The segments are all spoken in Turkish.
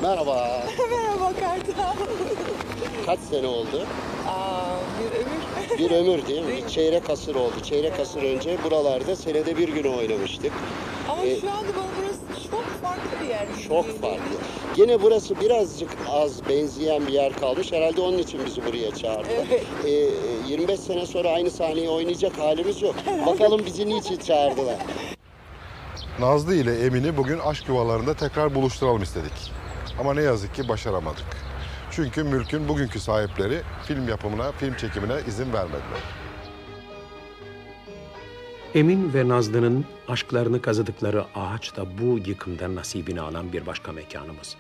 Merhaba. Merhaba Kartal. Kaç sene oldu? Bir ömür. Bir ömür değil mi? Bir çeyrek asır oldu. Çeyrek asır önce buralarda senede bir gün oynamıştık. Ama şu anda bana burası çok farklı bir yer. Çok farklı. Gene burası birazcık az benzeyen bir yer kalmış. Herhalde onun için bizi buraya çağırdılar. Evet. 25 sene sonra aynı sahneyi oynayacak halimiz yok. Bakalım bizi niçin çağırdılar. Nazlı ile Emin'i bugün aşk yuvalarında tekrar buluşturalım istedik. Ama ne yazık ki başaramadık. Çünkü mülkün bugünkü sahipleri film yapımına, film çekimine izin vermediler. Emin ve Nazlı'nın aşklarını kazıdıkları ağaç da bu yıkımdan nasibini alan bir başka mekanımız.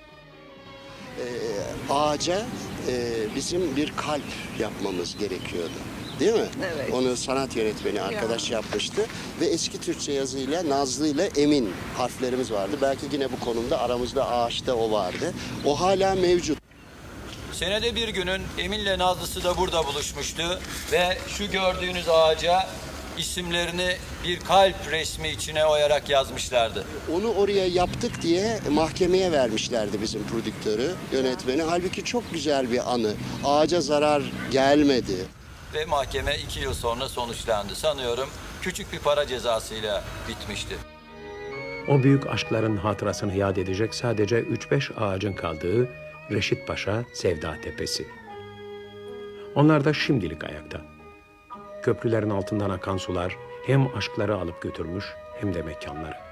Ağaca bizim bir kalp yapmamız gerekiyordu. Değil mi? Evet. Onu sanat yönetmeni arkadaş yapmıştı. Ve eski Türkçe yazıyla Nazlı ile Emin harflerimiz vardı. Belki yine bu konumda aramızda ağaçta o vardı. O hala mevcut. Senede bir günün Emin'le Nazlısı da burada buluşmuştu ve şu gördüğünüz ağaca isimlerini bir kalp resmi içine oyarak yazmışlardı. Onu oraya yaptık diye mahkemeye vermişlerdi bizim prodüktörü, yönetmeni. Halbuki çok güzel bir anı. Ağaca zarar gelmedi. Ve mahkeme 2 yıl sonra sonuçlandı. Sanıyorum küçük bir para cezasıyla bitmişti. O büyük aşkların hatırasını yad edecek sadece 3-5 ağacın kaldığı Reşit Paşa Sevda Tepesi. Onlar da şimdilik ayakta. Köprülerin altından akan sular hem aşkları alıp götürmüş hem de mekanları.